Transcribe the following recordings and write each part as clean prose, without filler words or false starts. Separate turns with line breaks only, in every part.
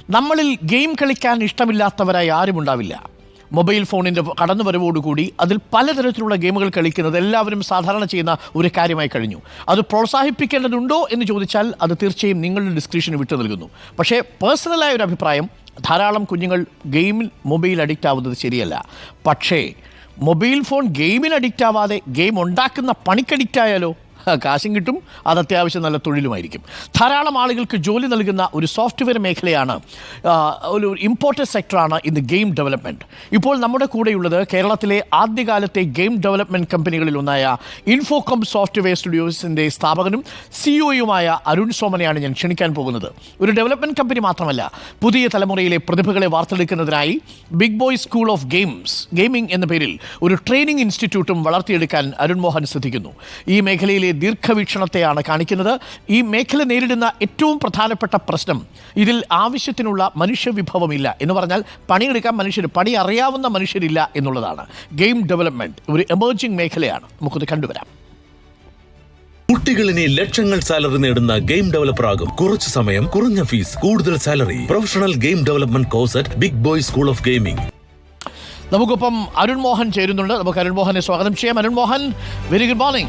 നമ്മളിൽ ഗെയിം കളിക്കാൻ ഇഷ്ടമില്ലാത്തവരായി ആരുമുണ്ടാവില്ല. മൊബൈൽ ഫോണിൻ്റെ കടന്നുവരവോടുകൂടി അതിൽ പലതരത്തിലുള്ള ഗെയിമുകൾ കളിക്കുന്നത് എല്ലാവരും സാധാരണ ചെയ്യുന്ന ഒരു കാര്യമായി കഴിഞ്ഞു. അത് പ്രോത്സാഹിപ്പിക്കേണ്ടതുണ്ടോ എന്ന് ചോദിച്ചാൽ അത് തീർച്ചയായും നിങ്ങളുടെ ഡിസ്ക്രിപ്ഷന് വിട്ടു നൽകുന്നു. പക്ഷേ പേഴ്സണലായ ഒരു അഭിപ്രായം, ധാരാളം കുഞ്ഞുങ്ങൾ ഗെയിമിൽ മൊബൈൽ അഡിക്റ്റ് ആവുന്നത് ശരിയല്ല. പക്ഷേ മൊബൈൽ ഫോൺ ഗെയിമിന് അഡിക്റ്റ് ആവാതെ ഗെയിം ഉണ്ടാക്കുന്ന പണിക്ക് അഡിക്റ്റ് ആയാലോ? കാശും കിട്ടും, അത് അത്യാവശ്യം നല്ല തൊഴിലുമായിരിക്കും. ധാരാളം ആളുകൾക്ക് ജോലി നൽകുന്ന ഒരു സോഫ്റ്റ്വെയർ മേഖലയാണ്, ഒരു ഇമ്പോർട്ടൻറ്റ് സെക്ടറാണ് ഇന്ന് ഗെയിം ഡെവലപ്മെൻറ്റ്. ഇപ്പോൾ നമ്മുടെ കൂടെയുള്ളത് കേരളത്തിലെ ആദ്യകാലത്തെ ഗെയിം ഡെവലപ്മെൻറ്റ് കമ്പനികളിൽ ഒന്നായ ഇൻഫോകോം സോഫ്റ്റ്വെയർ സ്റ്റുഡിയോസിൻ്റെ സ്ഥാപകനും സിഇഒയുമായ അരുൺ സോമനെയാണ് ഞാൻ ക്ഷണിക്കാൻ പോകുന്നത്. ഒരു ഡെവലപ്മെൻറ്റ് കമ്പനി മാത്രമല്ല, പുതിയ തലമുറയിലെ പ്രതിഭകളെ വാർത്തെടുക്കുന്നതിനായി big boy school of gaming എന്ന പേരിൽ ഒരു ട്രെയിനിങ് ഇൻസ്റ്റിറ്റ്യൂട്ടും വളർത്തിയെടുക്കാൻ അരുൺ മോഹൻ ശ്രദ്ധിക്കുന്നു. ഈ മേഖലയിലെ ദീർഘവീക്ഷണത്തെയാണ് കാണിക്കുന്നത്. ഈ മേഖല നേരിടുന്ന ഏറ്റവും പ്രധാനപ്പെട്ട പ്രശ്നം, ഇതിൽ ആവശ്യത്തിനുള്ള മനുഷ്യവിഭവമില്ല എന്ന് പറഞ്ഞാൽ പണിയെടുക്കാൻ പണി അറിയാവുന്ന മനുഷ്യരില്ല എന്നുള്ളതാണ്. ഗെയിം ഡെവലപ്മെൻറ്റ് ഒരു എമർജിംഗ് മേഖലയാണ്. നമുക്കത് കണ്ടുവരാം.
കുട്ടികളിനെ ലക്ഷങ്ങൾ സാലറി നേടുന്ന ഗെയിം ഡെവലപ്പർ ആകും. കുറച്ചു സമയം, കുറഞ്ഞ ഫീസ്, കൂടുതൽ salary. Professional game development course at big boy school of gaming.
നമുക്കൊപ്പം അരുൺ മോഹൻ ചേരുന്നുണ്ട്. നമുക്ക് അരുൺ മോഹനെ സ്വാഗതം ചെയ്യാം. Arun Mohan, very good morning.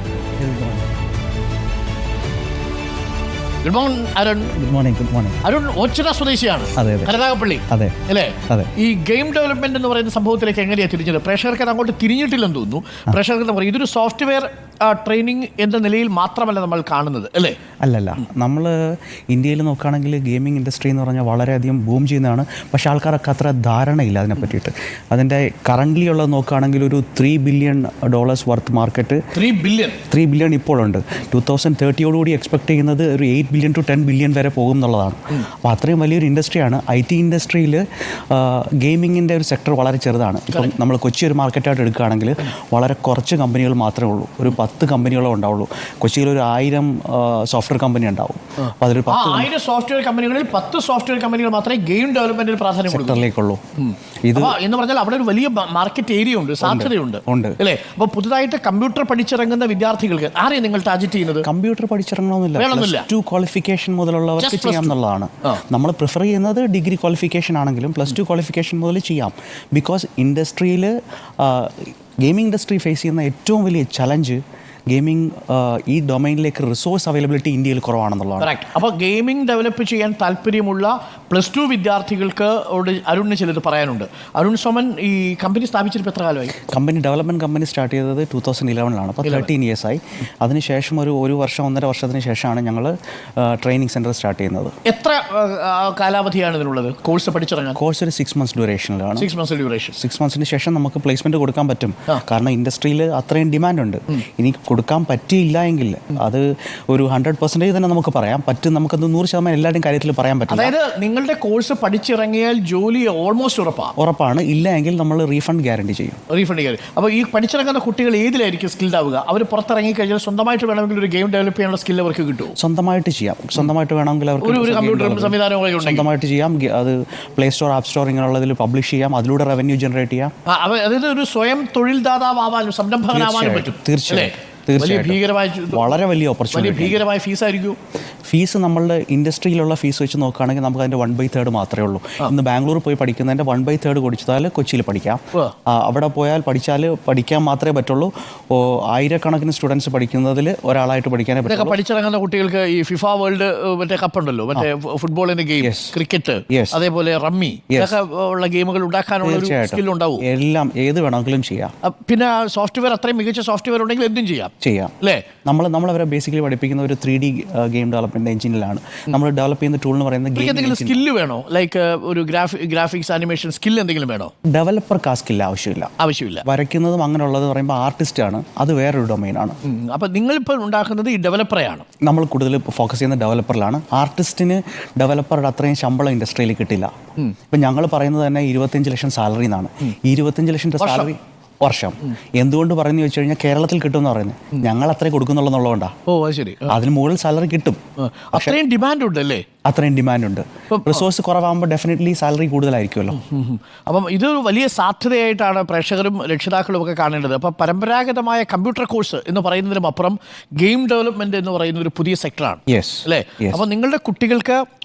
Good morning Arun.
Good morning. Good morning.
Arun Ochira സ്വദേശിയാണ്, കരുനാഗപ്പള്ളി അല്ലേ? ഈ ഗെയിം ഡെവലപ്മെന്റ് എന്ന് പറയുന്ന സംഭവത്തിലേക്ക് എങ്ങനെയാണ് തിരിഞ്ഞത്? പ്രേക്ഷകർക്ക് അങ്ങോട്ട് തിരിഞ്ഞിട്ടില്ലെന്ന് തോന്നുന്നു. പ്രേക്ഷകർക്ക് എന്താ പറയുക, ഇതൊരു സോഫ്റ്റ്വെയർ ട്രെയിനിങ് എന്ന നിലയിൽ മാത്രമല്ല നമ്മൾ കാണുന്നത്, അല്ലേ?
അല്ലല്ല, നമ്മൾ ഇന്ത്യയിൽ നോക്കുകയാണെങ്കിൽ ഗെയിമിംഗ് ഇൻഡസ്ട്രി എന്ന് പറഞ്ഞാൽ വളരെയധികം ബൂം ചെയ്യുന്നതാണ്. പക്ഷേ ആൾക്കാർക്ക് അത്ര ധാരണയില്ല അതിനെ പറ്റിയിട്ട്. അതിൻ്റെ കറൻ്റ്ലി ഉള്ളത് നോക്കുകയാണെങ്കിൽ ഒരു $3 ബില്യൺ വർത്ത് മാർക്കറ്റ്, 3 ബില്യൺ ഇപ്പോഴുണ്ട്. 2030 എക്സ്പെക്ട് ചെയ്യുന്നത് ഒരു 8 ബില്യൺ to 10 ബില്യൺ വരെ പോകും എന്നുള്ളതാണ്. അപ്പോൾ അത്രയും വലിയൊരു ഇൻഡസ്ട്രിയാണ്. IT ഇൻഡസ്ട്രിയിൽ ഗെയിമിങ്ങിൻ്റെ ഒരു സെക്ടർ വളരെ ചെറുതാണ്. ഇപ്പം നമ്മൾ കൊച്ചി ഒരു മാർക്കറ്റായിട്ട് എടുക്കുകയാണെങ്കിൽ വളരെ കുറച്ച് കമ്പനികൾ മാത്രമേ ഉള്ളൂ. ഒരു 10 കമ്പനികളോ ഉണ്ടാവുള്ളൂ. കൊച്ചിയിൽ ഒരു 1000 സോഫ്റ്റ്വെയർ കമ്പനി ഉണ്ടാവും. അപ്പോൾ അതിൽ
1000 സോഫ്റ്റ്വെയർ കമ്പനികളിൽ 10 സോഫ്റ്റ്വെയർ കമ്പനികൾ മാത്രമേ ഗെയിം ഡെവലപ്മെന്റിന് പ്രാധാന്യം
സെക്ടറിലേക്കുള്ളൂ.
ഇത് എന്ന് പറഞ്ഞാൽ അവിടെ ഒരു വലിയ മാർക്കറ്റ് ഏരിയ ഉണ്ട്, സാധ്യതയുണ്ട്, അല്ലേ? അപ്പോൾ പുതുതായിട്ട് കമ്പ്യൂട്ടർ പഠിച്ചിറങ്ങുന്ന വിദ്യാർത്ഥികൾക്ക് ആരെയും നിങ്ങൾ ടാർഗറ്റ് ചെയ്യുന്നത്?
കമ്പ്യൂട്ടർ പഠിച്ചിറങ്ങണമെന്നില്ല, +2 ക്വാളിഫിക്കേഷൻ മുതലുള്ളവർക്ക് ചെയ്യാമെന്നുള്ളതാണ്. നമ്മൾ പ്രിഫർ ചെയ്യുന്നത് ഡിഗ്രി ക്വാളിഫിക്കേഷൻ ആണെങ്കിലും +2 ക്വാളിഫിക്കേഷൻ മുതൽ ചെയ്യാം. ബിക്കോസ് ഇൻഡസ്ട്രിയിൽ ഗെയിമിംഗ് ഇൻഡസ്ട്രി ഫേസ് ചെയ്യുന്ന ഏറ്റവും വലിയ ചലഞ്ച് ഗെയിമിംഗ് ഈ ഡൊമൈനിലേക്ക് റിസോഴ്സ് അവൈലബിലിറ്റി ഇന്ത്യയിൽ കുറവാണെന്നുള്ളതാണ്.
അപ്പോൾ ഗെയിമിംഗ് ഡെവലപ്പ് ചെയ്യാൻ താല്പര്യമുള്ള +2 വിദ്യാർത്ഥികൾക്ക് അരുണിന് ചിലത് പറയാനുണ്ട്. അരുൺ സോമൻ, ഈ കമ്പനി സ്ഥാപിച്ചിട്ട് എത്ര കാലമായി?
ഡെവലപ്മെൻറ്റ് കമ്പനി സ്റ്റാർട്ട് ചെയ്തത് 2011 അപ്പോൾ 13 ഇയേഴ്സായി. അതിനുശേഷം ഒരു വർഷം 1.5 വർഷത്തിന് ശേഷമാണ് ഞങ്ങൾ ട്രെയിനിങ് സെൻറ്റർ സ്റ്റാർട്ട് ചെയ്യുന്നത്.
എത്ര കാലാവധിയാണ് ഇതിനുള്ളത്? കോഴ്സ് പഠിച്ചിറങ്ങാൻ
കോഴ്സ് ഒരു 6 months ഡ്യൂറേഷനിലാണ്.
6 months ഡ്യൂറേഷൻ.
6 monthsന് ശേഷം നമുക്ക് പ്ലേസ്മെൻറ്റ് കൊടുക്കാൻ പറ്റും. കാരണം ഇൻഡസ്ട്രിയിൽ അത്രയും ഡിമാൻഡ് ഉണ്ട്. ഇനി കൊടുക്കാൻ പറ്റിയില്ല എങ്കിൽ അത് ഒരു 100% തന്നെ നമുക്ക് പറയാം പറ്റും. നമുക്കത് 100% എല്ലാവരുടെയും കാര്യത്തിൽ പറയാൻ പറ്റും.
അതായത് നിങ്ങളുടെ കോഴ്സ് പഠിച്ചിറങ്ങിയാൽ ജോലി ഓൾമോസ്റ്റ് ഉറപ്പാണ്.
ഇല്ല എങ്കിൽ നമ്മൾ റീഫണ്ട് ഗ്യാരണ്ടി ചെയ്യും.
അപ്പോൾ ഈ പഠിച്ചിറങ്ങുന്ന കുട്ടികൾ ഏതിലായിരിക്കും സ്കിൽഡ് ആവുക? അവർ പുറത്തിറങ്ങി കഴിഞ്ഞാൽ സ്വന്തമായിട്ട് വേണമെങ്കിൽ ഒരു ഗെയിം ഡെവലപ്പ് ചെയ്യാനുള്ള സ്കിൽ അവർക്ക് കിട്ടും.
സ്വന്തമായിട്ട് ചെയ്യാം. സ്വന്തമായിട്ട് വേണമെങ്കിൽ അവർക്ക്
ഒരു കമ്പ്യൂട്ടർ സംവിധാനങ്ങളൊക്കെ
സ്വന്തമായിട്ട് ചെയ്യാം. അത് പ്ലേ സ്റ്റോർ, ആപ്പ് സ്റ്റോർ ഇങ്ങനെയുള്ളതിൽ പബ്ലിഷ് ചെയ്യാം. അതിലൂടെ റവന്യൂ ജനറേറ്റ് ചെയ്യാം.
അതായത് ഒരു സ്വയം തൊഴിൽദാതാവാനും സംരംഭകനാവാനും പറ്റും.
തീർച്ചയായും.
വളരെ വലിയ ഓപ്പർച്യൂണിറ്റി. ഭീകരമായ ഫീസായിരിക്കും.
ഫീസ് നമ്മളുടെ ഇൻഡസ്ട്രിയിലുള്ള ഫീസ് വെച്ച് നോക്കുകയാണെങ്കിൽ നമുക്ക് അതിൻ്റെ 1/3 മാത്രമേ ഉള്ളൂ. ഇന്ന് ബാംഗ്ലൂർ പോയി പഠിക്കുന്നതിൻ്റെ 1/3 കൊടുത്താൽ കൊച്ചിയിൽ പഠിക്കാം. അവിടെ പോയാൽ പഠിക്കാൻ മാത്രമേ പറ്റുള്ളൂ. ആയിരക്കണക്കിന് സ്റ്റുഡൻസ് പഠിക്കുന്നതിൽ ഒരാളായിട്ട് പഠിക്കാനേ പറ്റും.
പഠിച്ചിറങ്ങുന്ന കുട്ടികൾക്ക് ഈ ഫിഫ വേൾഡ് മറ്റേ കപ്പുണ്ടല്ലോ, മറ്റേ ഫുട്ബോളിന്റെ ഗെയിം, ക്രിക്കറ്റ്, അതേപോലെ റമ്മി, ഇതൊക്കെ ഉള്ള ഗെയിമുകൾ ഉണ്ടാക്കാനുള്ള ഒരു സ്കിൽ ഉണ്ടാവും.
എല്ലാം ഏത് വേണമെങ്കിലും ചെയ്യാം.
പിന്നെ സോഫ്റ്റ്വെയർ, അത്രയും മികച്ച സോഫ്റ്റ്വെയർ ഉണ്ടെങ്കിൽ എന്തും ചെയ്യാം
അല്ലേ? നമ്മളവരെ ബേസിക്കലി പഠിപ്പിക്കുന്ന ഒരു 3D ഗെയിം ഡെവലപ്മെന്റ് എഞ്ചിനിലാണ്. നമ്മൾ ഡെവലപ്പ് ചെയ്യുന്ന ടൂൾ എന്ന് പറയുന്നത്
സ്കില്ല് വേണോ? ലൈക്ക് ഒരു ഗ്രാഫിക്സ് ആനിമേഷൻ സ്കിൽ എന്തെങ്കിലും വേണോ?
ഡെവലപ്പർക്ക് ആ സ്കില്ല് ആവശ്യമില്ല. വരയ്ക്കുന്നതും അങ്ങനെയുള്ളത് പറയുമ്പോൾ ആർട്ടിസ്റ്റ് ആണ്, അത് വേറൊരു ഡൊമൈനാണ്.
അപ്പം നിങ്ങളിപ്പോൾ ഉണ്ടാക്കുന്നത് ഈ ഡെവലപ്പറെയാണ്.
നമ്മൾ കൂടുതൽ ഫോക്കസ് ചെയ്യുന്ന ഡെവലപ്പറിലാണ്. ആർട്ടിസ്റ്റിന് ഡെവലപ്പറുടെ അത്രയും ശമ്പളം ഇൻഡസ്ട്രിയിൽ കിട്ടില്ല. ഇപ്പം ഞങ്ങൾ പറയുന്നത് തന്നെ 25 ലക്ഷം സാലറി എന്നാണ്. 25 ലക്ഷം സാലറി വർഷം. എന്തുകൊണ്ട് പറഞ്ഞു വെച്ച് കഴിഞ്ഞാൽ കേരളത്തിൽ കിട്ടുമെന്ന് പറയുന്നത് ഞങ്ങൾ അത്രയും കൊടുക്കുന്നുള്ളതുകൊണ്ടാണ്. അതിന് മുകളിൽ സാലറി കിട്ടും.
അത്രയും ഡിമാൻഡ് ഉണ്ട് അല്ലേ?
അത്രയും ഡിമാൻഡ് ഉണ്ട്. റിസോഴ്സ് കുറവാകുമ്പോൾ ഡെഫിനറ്റ്ലി സാലറി കൂടുതലായിരിക്കുമല്ലോ.
അപ്പം ഇത് വലിയ സാധ്യതയായിട്ടാണ് പ്രേക്ഷകരും രക്ഷിതാക്കളും ഒക്കെ കാണേണ്ടത്. അപ്പം പരമ്പരാഗതമായ കമ്പ്യൂട്ടർ കോഴ്സ് എന്ന് പറയുന്നതിനും അപ്പുറം ഗെയിം ഡെവലപ്മെന്റ് എന്ന് പറയുന്ന ഒരു പുതിയ സെക്ടറാണ്, അല്ലേ? അപ്പം നിങ്ങളുടെ കുട്ടികൾക്ക്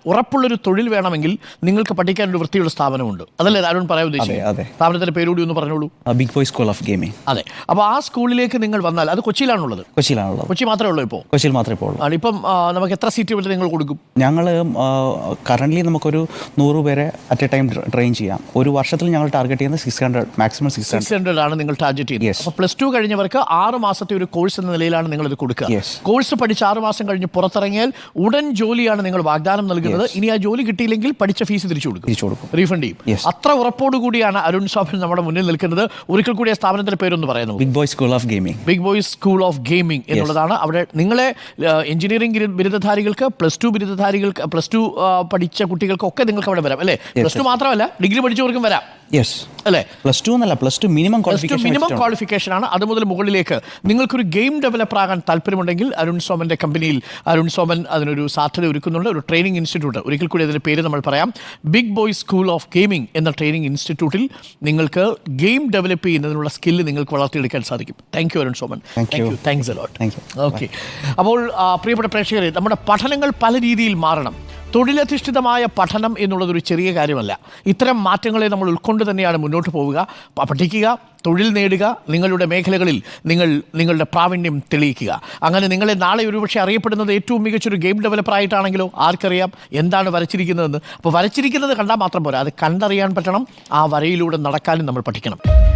ഉറപ്പുള്ളൊരു തൊഴിൽ വേണമെങ്കിൽ നിങ്ങൾക്ക് പഠിക്കാൻ ഒരു വൃത്തിയുള്ള സ്ഥാപനമുണ്ട്. അതല്ലേ അരുൺ പറയാൻ ഉദ്ദേശിച്ചത്?
അതെ.
സ്ഥാപനത്തിന്റെ പേരുകൂടി ഒന്ന് പറഞ്ഞോളൂ.
Big boy school of gaming.
അതെ. അപ്പോൾ ആ സ്കൂളിലേക്ക് നിങ്ങൾ വന്നാൽ, അത് കൊച്ചിയിലാണുള്ളത്?
കൊച്ചിയിലാണുള്ളത്.
കൊച്ചി മാത്രമേ ഉള്ളൂ ഇപ്പോൾ?
കൊച്ചിയിൽ മാത്രമേ ഇപ്പോൾ ഉള്ളൂ.
ഇപ്പം നമുക്ക് എത്ര സീറ്റ് വരെ നിങ്ങൾ കൊടുക്കും?
ഞങ്ങൾ കറൻ്റ്ലി നമുക്കൊരു 100 പേരെ അറ്റ് എ ടൈം ട്രെയിൻ ചെയ്യാം. ഒരു വർഷത്തിൽ ഞങ്ങൾ ടാർഗറ്റ് ചെയ്യുന്നത് 600, മാക്സിമം 600
ആണ് നിങ്ങൾ ടാർഗറ്റ് ചെയ്യുന്നത്.
Yes.
അപ്പോൾ +2 കഴിഞ്ഞവർക്ക് 6 മാസത്തെ ഒരു കോഴ്സ് എന്ന നിലയിലാണ് നിങ്ങൾ ഇത് കൊടുക്കുക.
Yes.
കോഴ്സ് പഠിച്ച് 6 മാസം കഴിഞ്ഞ് പുറത്തിറങ്ങിയാൽ ഉടൻ ജോലിയാണ് നിങ്ങൾ വാഗ്ദാനം നൽകുന്നത്. ഇനി ആ ജോലി കിട്ടിയില്ലെങ്കിൽ പഠിച്ച ഫീസ് തിരിച്ചു കൊടുക്കും, റീഫണ്ട് ചെയ്യും.
Yes.
അത്ര ഉറപ്പോടുകൂടിയാണ് അരുൺ സോമൻ നമ്മുടെ മുന്നിൽ നിൽക്കുന്നത്. ഒരിക്കൽ കൂടി ആ സ്ഥാപനത്തിന്റെ പേരൊന്ന് പറയുന്നു.
Big boy school of gaming.
Big boys school of gaming എന്നുള്ളതാണ്. അവിടെ നിങ്ങളെ എഞ്ചിനീയറിംഗ് ബിരുദധാരികൾക്ക്, +2 ബിരുദധാരികൾക്ക്, +2 പഠിച്ച കുട്ടികൾക്കൊക്കെ നിങ്ങൾക്ക് അവിടെ വരാം അല്ലേ? +2 മാത്രമല്ല, ഡിഗ്രി പഠിച്ചവർക്കും വരാം.
യെസ്
അല്ലേ?
+2 എന്നല്ല, +2 മിനിമം
ക്വാളിഫിക്കേഷൻ ആണ്. അത് മുതൽ മുകളിലേക്ക് നിങ്ങൾക്കൊരു ഗെയിം ഡെവലപ്പർ ആകാൻ താല്പര്യമുണ്ടെങ്കിൽ അരുൺ സോമന്റെ കമ്പനിയിൽ അരുൺ സോമൻ അതിനൊരു സാധ്യത ഒരുക്കുന്നുണ്ട്. ഒരു ട്രെയിനിങ് ഇൻസ്റ്റിറ്റ്യൂട്ട്, ഒരിക്കൽ കൂടി അതിന്റെ പേര് നമ്മൾ പറയാം, big boy school of gaming എന്ന ട്രെയിനിങ് ഇൻസ്റ്റിറ്റ്യൂട്ടിൽ നിങ്ങൾക്ക് ഗെയിം ഡെവലപ്പ് ചെയ്യുന്നതിനുള്ള സ്കില്ല് നിങ്ങൾക്ക് വളർത്തിയെടുക്കാൻ സാധിക്കും. Thank you Arun Soman. Thanks a lot. Okay. അപ്പോൾ പ്രിയപ്പെട്ട പ്രേക്ഷകരെ, നമ്മുടെ പഠനങ്ങൾ പല രീതിയിൽ മാറണം. തൊഴിലധിഷ്ഠിതമായ പഠനം എന്നുള്ളതൊരു ചെറിയ കാര്യമല്ല. ഇത്തരം മാറ്റങ്ങളെ നമ്മൾ ഉൾക്കൊണ്ട് തന്നെയാണ് മുന്നോട്ട് പോവുക. പഠിക്കുക, തൊഴിൽ നേടുക, നിങ്ങളുടെ മേഖലകളിൽ നിങ്ങളുടെ പ്രാവീണ്യം തെളിയിക്കുക. അങ്ങനെ നിങ്ങളെ നാളെ ഒരുപക്ഷെ അറിയപ്പെടുന്നത് ഏറ്റവും മികച്ചൊരു ഗെയിം ഡെവലപ്പർ ആയിട്ടാണെങ്കിലോ ആർക്കറിയാം എന്താണ് വരച്ചിരിക്കുന്നതെന്ന്. അപ്പോൾ വരച്ചിരിക്കുന്നത് കണ്ടാൽ മാത്രം പോരാ, അത് കണ്ടറിയാൻ പറ്റണം. ആ വരയിലൂടെ നടക്കാനും നമ്മൾ പഠിക്കണം.